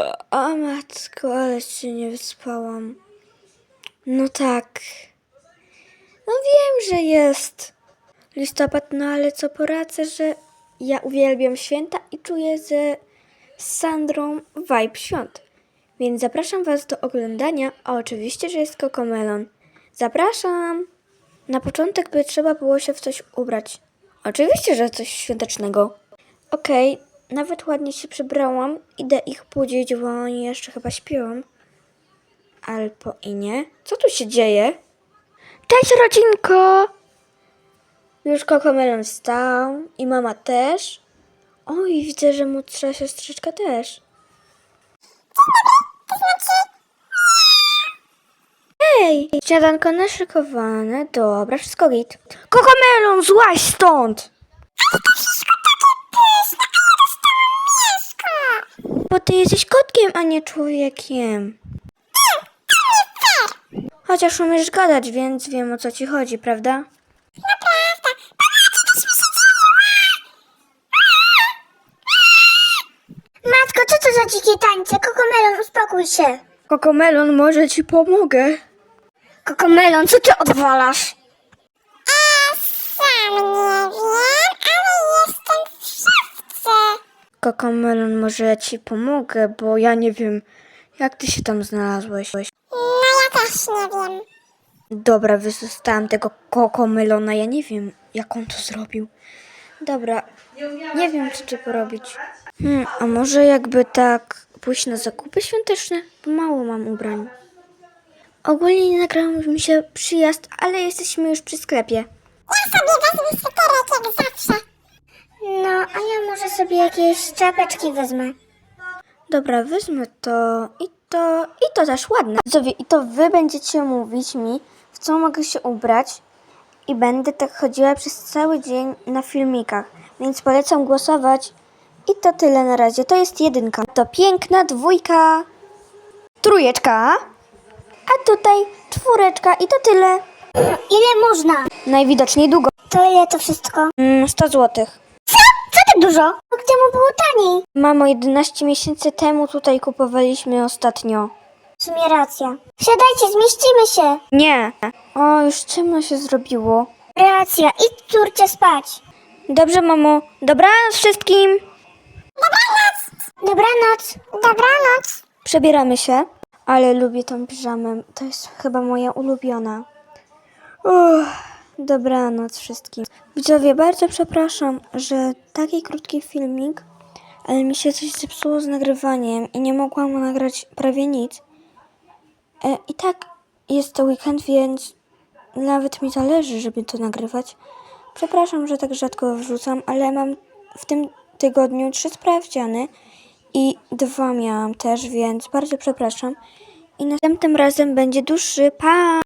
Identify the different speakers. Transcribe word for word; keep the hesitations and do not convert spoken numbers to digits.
Speaker 1: O matko, ale się nie wyspałam. No tak. No wiem, że jest listopad, no ale co poradzę, że ja uwielbiam święta i czuję ze z Sandrą vibe świąt. Więc zapraszam Was do oglądania, a oczywiście, że jest Cocomelon. Zapraszam! Na początek by trzeba było się w coś ubrać. Oczywiście, że coś świątecznego. Okej, okay, nawet ładnie się przebrałam. Idę ich budzić, bo oni jeszcze chyba śpią. Albo i nie. Co tu się dzieje? Cześć, rodzinko! Już Cocomelon wstał i mama też. Oj, widzę, że młodsza siostrzyczka też. Hej! Śniadanko naszykowane. Dobra, wszystko git. Cocomelon, złaź stąd! Bo ty jesteś kotkiem, a nie człowiekiem. Chociaż umiesz gadać, więc wiem, o co ci chodzi, prawda?
Speaker 2: Matko, co to za dzikie tańce? Cocomelon, uspokój się.
Speaker 1: Cocomelon, może ci pomogę.
Speaker 2: Cocomelon, co ty odwalasz?
Speaker 3: A sam nie wiem, ale jestem w szafce.
Speaker 1: Cocomelon, może ja ci pomogę, bo ja nie wiem, jak ty się tam znalazłeś.
Speaker 3: No ja też nie wiem.
Speaker 1: Dobra, wyzostałam tego Cocomelona, ja nie wiem, jak on to zrobił. Dobra, nie wiem, co tu porobić. Hmm, a może jakby tak pójść na zakupy świąteczne? Bo mało mam ubrań. Ogólnie nie nagrał mi się przyjazd, ale jesteśmy już przy sklepie.
Speaker 3: Ja sobie wezmę sweterek jak zawsze.
Speaker 2: No, a ja może sobie jakieś czapeczki wezmę.
Speaker 1: Dobra, wezmę to i to i to też ładne. Widzowie, i to wy będziecie mówić mi, w co mogę się ubrać i będę tak chodziła przez cały dzień na filmikach, więc polecam głosować. I to tyle na razie. To jest jedynka. To piękna dwójka. Trójeczka. A tutaj czwóreczka i to tyle.
Speaker 2: Ile można?
Speaker 1: Najwidoczniej długo.
Speaker 2: To ile to wszystko?
Speaker 1: Mm, sto złotych.
Speaker 2: Co? Co tak dużo? Gdzie mu było taniej?
Speaker 1: Mamo, jedenaście miesięcy temu tutaj kupowaliśmy ostatnio.
Speaker 2: W sumie racja. Wsiadajcie, zmieścimy się.
Speaker 1: Nie. O, już ciemno się zrobiło.
Speaker 2: Racja, idź córcie spać.
Speaker 1: Dobrze, mamo. Dobranoc wszystkim.
Speaker 2: Dobranoc.
Speaker 3: Dobranoc.
Speaker 1: Przebieramy się, ale lubię tą piżamę. To jest chyba moja ulubiona. Uff, dobranoc wszystkim. Widzowie, bardzo przepraszam, że taki krótki filmik, ale mi się coś zepsuło z nagrywaniem i nie mogłam nagrać prawie nic. E, I tak jest to weekend, więc nawet mi zależy, żeby to nagrywać. Przepraszam, że tak rzadko wrzucam, ale mam w tym tygodniu trzy sprawdziany i dwa miałam też, więc bardzo przepraszam. I następnym razem będzie dłuższy. Pa!